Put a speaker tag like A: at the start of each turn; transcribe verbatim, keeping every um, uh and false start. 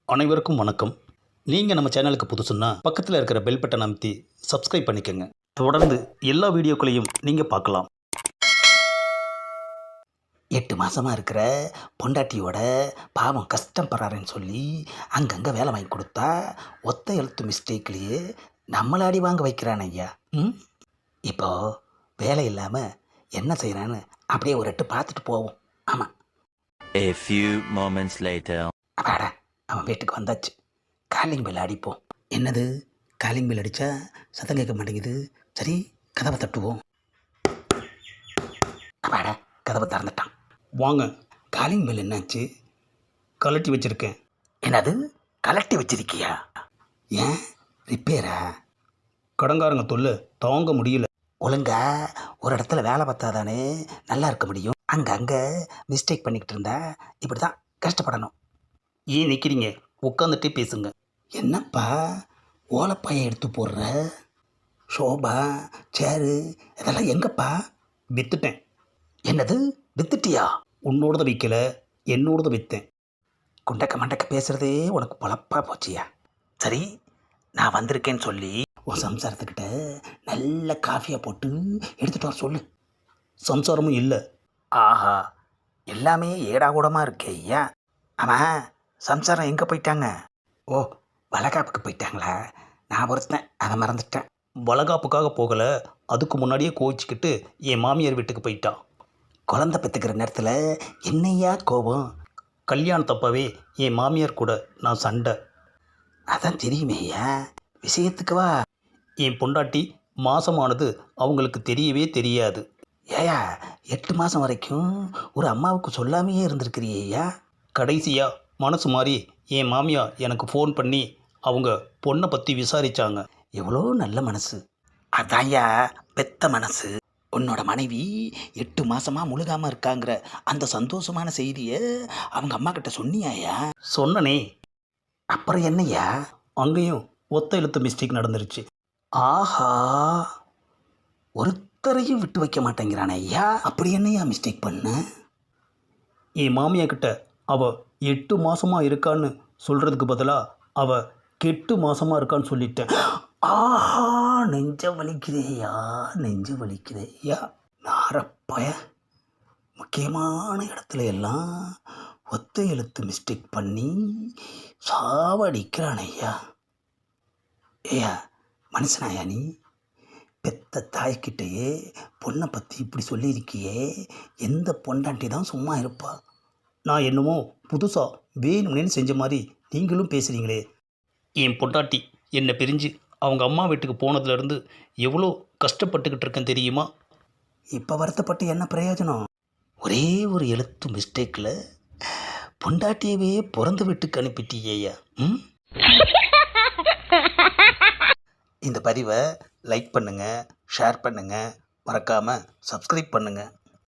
A: அனைவருக்கும் வணக்கம். நீங்கள் நம்ம சேனலுக்கு புதுசுன்னா பக்கத்தில் இருக்கிற பெல் பட்டனை அமைத்தி சப்ஸ்கிரைப் பண்ணிக்கோங்க. தொடர்ந்து எல்லா வீடியோக்களையும் நீங்கள் பார்க்கலாம். எட்டு மாதமாக இருக்கிற பொண்டாட்டியோட பாவம் கஷ்டப்படுறாருன்னு சொல்லி அங்கங்கே வேலை வாங்கி கொடுத்தா ஒத்த எழுத்து மிஸ்டேக்லேயே நம்மளை அடி வாங்க வைக்கிறான் ஐயா. ம் இப்போ வேலை இல்லாமல் என்ன செய்கிறான்னு அப்படியே ஒரு எட்டு பார்த்துட்டு போவோம். ஆமாம்.
B: A few moments later.
A: அப்பாடா, அவன் வீட்டுக்கு வந்தாச்சு. காலிங் பெல் அடிப்போம். என்னது, காலிங் பெல் அடித்தா சத்தம் கேட்க மாட்டேங்குது. சரி, கதவை தட்டுவோம். அப்பாடா, கதவை திறந்துட்டான். வாங்க. காலிங் பெல் என்னாச்சு? கலட்டி வச்சுருக்கேன். என்னது, கலட்டி வச்சிருக்கியா? ஏன், ரிப்பேரா? கடங்காரங்க தொல்லை தாங்க முடியல. ஒழுங்கா ஒரு இடத்துல வேலை பார்த்தாதானே நல்லா இருக்க முடியும். அங்கங்கே மிஸ்டேக் பண்ணிக்கிட்டு இருந்தா இப்படி தான் கஷ்டப்படணும். ஏன் நிற்கிறீங்க? உட்காந்துட்டே பேசுங்க. என்னப்பா ஓலப்பாயை எடுத்து போடுற? ஷோபா, சேரு இதெல்லாம் எங்கப்பா? விற்றுட்டேன். என்னது, வித்துட்டியா? உன்னோடத விற்கல, என்னோடத விற்றேன். குண்டக்க மண்டக்க பேசுகிறதே உனக்கு பொழப்பா போச்சியா? சரி, நான் வந்திருக்கேன்னு சொல்லி உன் சம்சாரத்துக்கிட்ட நல்ல காஃபியை போட்டு எடுத்துகிட்டு வர சொல்லு. சம்சாரமும் இல்லை. ஆஹா, எல்லாமே ஏடாகூடமாக இருக்கே ஐயா. ஆமாம், சம்சாரம் எங்கே போயிட்டாங்க? ஓ, வளகாப்புக்கு போயிட்டாங்களா? நான் ஒருத்தன், அதை மறந்துட்டேன். வளகாப்புக்காக போகலை, அதுக்கு முன்னாடியே கோவிச்சுக்கிட்டு என் மாமியார் வீட்டுக்கு போயிட்டான். குழந்தை பெற்றுக்கிற நேரத்தில் என்னையா கோபம்? கல்யாணத்தப்பவே என் மாமியார் கூட நான் சண்டை. அதான் தெரியுமே ஐயா, விஷயத்துக்கு வா. என் பொண்டாட்டி மாசமானது அவங்களுக்கு தெரியவே தெரியாது. ஏயா, எட்டு மாதம் வரைக்கும் ஒரு அம்மாவுக்கு சொல்லாமையே இருந்திருக்கிறியா? கடைசியாக மனசு மாறி என் மாமியா எனக்கு ஃபோன் பண்ணி அவங்க பொண்ணை பற்றி விசாரித்தாங்க. எவ்வளோ நல்ல மனசு. அதான்யா பெத்த மனசு. உன்னோட மனைவி எட்டு மாதமாக முழுகாமல் இருக்காங்கிற அந்த சந்தோஷமான செய்தியை அவங்க அம்மா கிட்ட சொன்னியாயா? சொன்னனே. அப்புறம் என்னையா? அங்கேயும் ஒத்த எழுத்து மிஸ்டேக் நடந்துருச்சு. ஆஹா, ஒருத்தரையும் விட்டு வைக்க மாட்டேங்கிறானே ஐயா. அப்படி என்னையா மிஸ்டேக் பண்ண? என் மாமியா கிட்ட அவ எட்டு மாசமாக இருக்கான்னு சொல்கிறதுக்கு பதிலாக அவ கெட்டு மாசமாக இருக்கான்னு சொல்லிட்டேன். ஆஹா, நெஞ்ச வலிக்குதேயா, நெஞ்ச வலிக்குதேயா. நாரப்பய முக்கியமான இடத்துல எல்லாம் ஒத்த எழுத்து மிஸ்டேக் பண்ணி சாவடிக்கிறான் ஐயா. ஏயா மனுஷனாயா நீ? பெத்த தாய்கிட்டையே பொண்ணை பற்றி இப்படி சொல்லியிருக்கியே, எந்த பொண்டாட்டி தான் சும்மா இருப்பா? நான் என்னமோ புதுசாக வேணும்னு செஞ்ச மாதிரி நீங்களும் பேசுகிறீங்களே. என் பொண்டாட்டி என்னை பிரிஞ்சு அவங்க அம்மா வீட்டுக்கு போனதுலேருந்து எவ்வளோ கஷ்டப்பட்டுக்கிட்டு இருக்கேன் தெரியுமா? இப்போ வருத்தப்பட்டு என்ன பிரயோஜனம்? ஒரே ஒரு எழுத்து மிஸ்டேக்கில் பொண்டாட்டியவே பிறந்த வீட்டுக்கு அனுப்பிட்டியேயா. ம் இந்த பதிவை லைக் பண்ணுங்கள், ஷேர் பண்ணுங்கள், மறக்காமல் சப்ஸ்கிரைப் பண்ணுங்கள்.